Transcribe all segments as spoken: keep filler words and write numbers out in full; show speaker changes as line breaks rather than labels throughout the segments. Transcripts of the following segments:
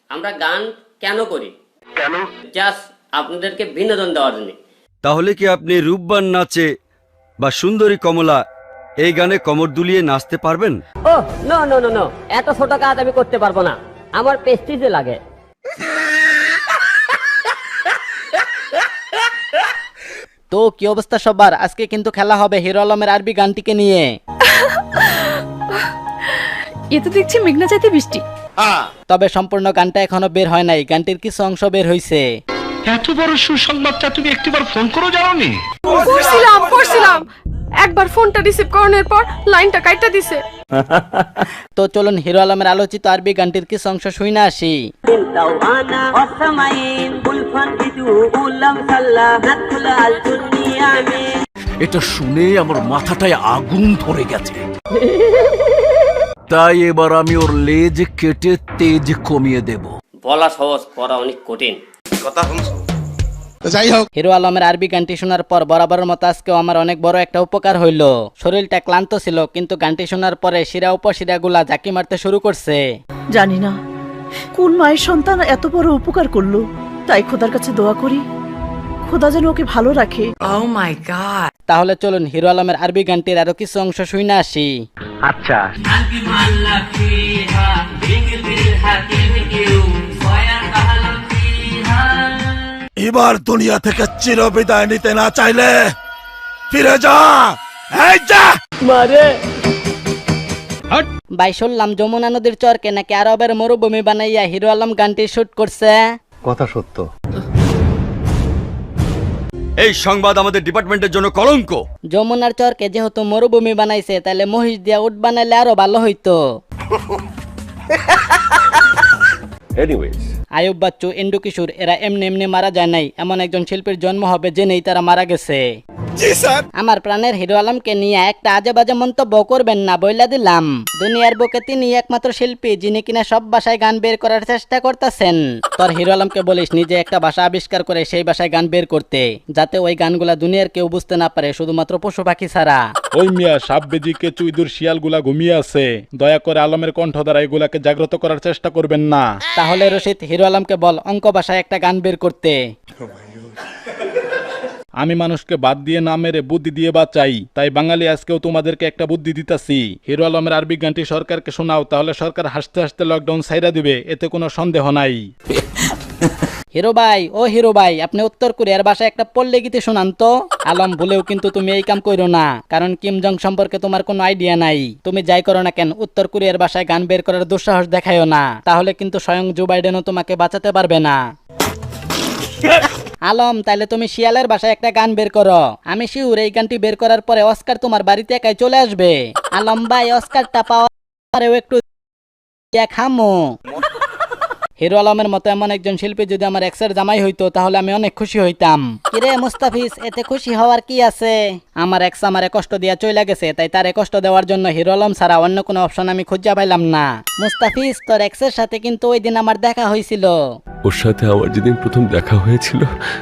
আমরা গান কেন করি? কেন? জাস্ট আপনাদেরকে বিনোদন দেওয়ার জন্য।
তাহলে কি আপনি রূপবান নাচে বা সুন্দরী কমলা এই গানে কমর দুলিয়ে নাচতে পারবেন?
Oh no no no no, এত ছোট কাজ আমি করতে পারবো না, আমার পেস্টিজে লাগে।
তো কি অবস্থা সবার? আজকে কিন্তু খেলা হবে হিরো আলমের আরবি গানটিকে নিয়ে।
এ তো দেখছি মেঘনা চাইতে বৃষ্টি।
তবে সম্পূর্ণ গানটা এখনো বের হয় নাই, গানটির কিছু অংশ বের হইছে।
এত বড় সুসংবাদটা তুমি একটিবার ফোন করো জানোনি?
করছিলাম করছিলাম একবার ফোনটা রিসিভ করানোর পর লাইনটা কাইটা দিছে।
তো চলুন হিরো আলমের আলোচিত আরবি গানটির কিছু অংশ শুনে আসি।
এটা শুনে আমার মাথাটায় আগুন ধরে গেছে, তাই এবার আমি ওর লেজ কেটে তেজ কমিয়ে দেব।
বলা সহজ, করা অনেক কঠিন।
কথা শুনছো?
যাই হোক, হিরো আলমের আরবি গানটি শোনার পর বরাবরের মতো আজকেও আমার অনেক বড় একটা উপকার হইল। শরীরটা ক্লান্ত ছিল, কিন্তু গানটি শোনার পরে শিরা উপশিরা গুলা ঝাঁকি মারতে শুরু করছে।
জানি না কোন মায়ের সন্তান এত বড় উপকার করলো, তাই খোদার কাছে দোয়া করি খোদা যেন ওকে ভালো রাখে।
Oh my god.
তাহলে চলুন হিরো আলমের আরবি গানটির আরো কিছু অংশ শুনে আসি।
আচ্ছা,
এবার দুনিয়া থেকে চির বিদায় নিতে না চাইলে ফিরে যা। এই যা
মারে ভাই, শুনলাম যমুনা নদীর চরকে নাকি আরবের মরুভূমি বানাইয়া হিরো আলম গানটি শুট করছে।
কথা সত্য।
এই সংবাদ আমাদের ডিপার্টমেন্টের জন্য কলঙ্ক।
যমুনার চরকে যেহেতু মরুভূমি বানাইছে, তাহলে মহিষ দিয়া উট বানাইলে আরো ভালো হইতো। আয়ুব বাচ্চু, ইন্ডু কিশোর এরা এমনি এমনি মারা যায় নাই, এমন একজন শিল্পীর জন্ম হবে জেনেই তারা মারা গেছে। আমার প্রাণের হিরো আলমকে নিয়ে একটা আজে বাজে মন্তব্য করবেন না, বইলা দিলাম। দুনিয়ার বুকে তিনি একমাত্র শিল্পী যিনি কিনা সব ভাষায় গান বের করার চেষ্টা করতেছেন। তোর হিরো আলমকে বলিস নিজে একটা ভাষা আবিষ্কার করে সেই ভাষায় গান বের করতে, যাতে ওই গানগুলা দুনিয়ার কেউ বুঝতে না পারে, শুধুমাত্র পশু পাখি ছাড়া।
ওই মিয়া সাপ বেজিকে চুইদুর শিয়াল গুলা ঘুমিয়ে আছে, দয়া করে আলমের কণ্ঠ দ্বারা এগুলাকে জাগ্রত করার চেষ্টা করবেন না।
তাহলে রশিদ হিরো আলমকে বল অঙ্ক ভাষায় একটা গান বের করতে।
আমি মানুষকে বাদ দিয়ে না মেরে বুদ্ধি দিয়ে বাঁচাই, তাই বাঙালি আজকেও তোমাদেরকে একটা বুদ্ধি দিতাছি। হিরো আলমের আরবি গানটি সরকারকে শোনাও, তাহলে সরকার হাসতে হাসতে লকডাউন ছাইরা দিবে, এতে কোনো সন্দেহ নাই।
হিরো ভাই, ও হিরো ভাই, আপনি উত্তর কোরিয়ার ভাষায় একটা পল্লী গীতি শোনান তো। আলম, ভুলেও কিন্তু তুমি এই কাম করো না, কারণ কিম জং সম্পর্কে তোমার কোনো আইডিয়া নাই। তুমি যাই করো না কেন, উত্তর কোরিয়ার ভাষায় গান বের করার দুঃসাহস দেখায়ও না, তাহলে কিন্তু স্বয়ং জো বাইডেনও তোমাকে বাঁচাতে পারবে না। আলম, তাইলে তুমি শিয়ালের ভাষায় একটা গান বের করো। আমি শিউর এই গানটি বের করার পরে অস্কার তোমার বাড়িতে একাই চলে আসবে। আলম ভাই, অস্কারটা পাওয়ারেও একটু খামো। হিরো আলমের মতো এমন একজন শিল্পী যদি আমার এক্সের জামাই হইতো, তাহলে আমি অনেক খুশি হইতাম। কিরে মুস্তাফিজ, এতে খুশি হওয়ার কি আছে? আমার এক্স আমারে কষ্ট দিয়া চলে গেছে, তাই তারে কষ্ট দেওয়ার জন্য হিরো আলম ছাড়া অন্য কোনো অপশন আমি খুঁজে পাইলাম না। মুস্তাফিজ, তোর এক্সের সাথে কিন্তু ওই দিন আমার দেখা হয়েছিল।
ওর সাথে আমার যেদিন প্রথম দেখা হয়েছিল,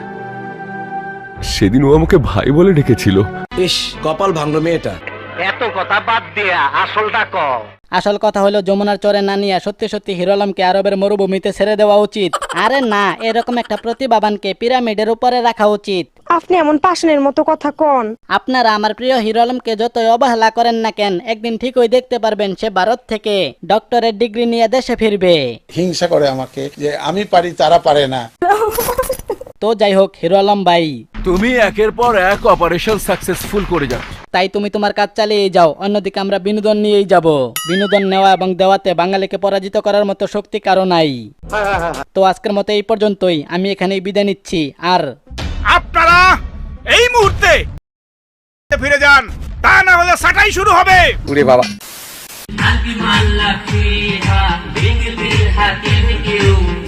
সেদিন ও আমাকে ভাই বলে ডেকেছিল।
ইস, কপাল ভাঙলো মেয়েটা।
এত কথা বাদ দিয়া আসলটা কও।
আসল কথা হলো যমুনার চরে না নিয়ে সত্যি সত্যি হিরো আলমকে আরবের মরুভূমিতে ছেড়ে দেওয়া উচিত। আরে না, এরকম একটা প্রতিভাবানকে পিরামিডের উপরে রাখা উচিত।
আপনি এমন পাশনের মতো কথা কোন।
আপনারা আমার প্রিয় হিরো আলমকে যতই অবহেলা করেন না কেন, একদিন ঠিকই দেখতে পারবেন সে ভারত থেকে ডক্টরেট ডিগ্রি নিয়ে দেশে ফিরবে।
হিংসা করে আমাকে যে আমি পারি তারা পারে না।
তো যাই হোক হিরো আলম ভাই,
তুমি একের পর এক অপারেশন সাকসেসফুল করে যাচ্ছ,
তাই তুমি তোমার কাজ চালিয়ে যাও, অন্যদিকে আমরা বিনোদন নিয়েই যাব। বিনোদন নেওয়া এবং দেওয়াতে বাঙালিকে পরাজিত করার মতো শক্তি কারো নাই। তো আজকের মতো এই পর্যন্তই, আমি এখানেই বিদায় নিচ্ছি। আর
আপনারা এই মুহূর্তে ফিরে যান, তা না হলে সাটাই শুরু হবে।
ওরে বাবা।
I'll be my lucky, ha, being a little happy with you.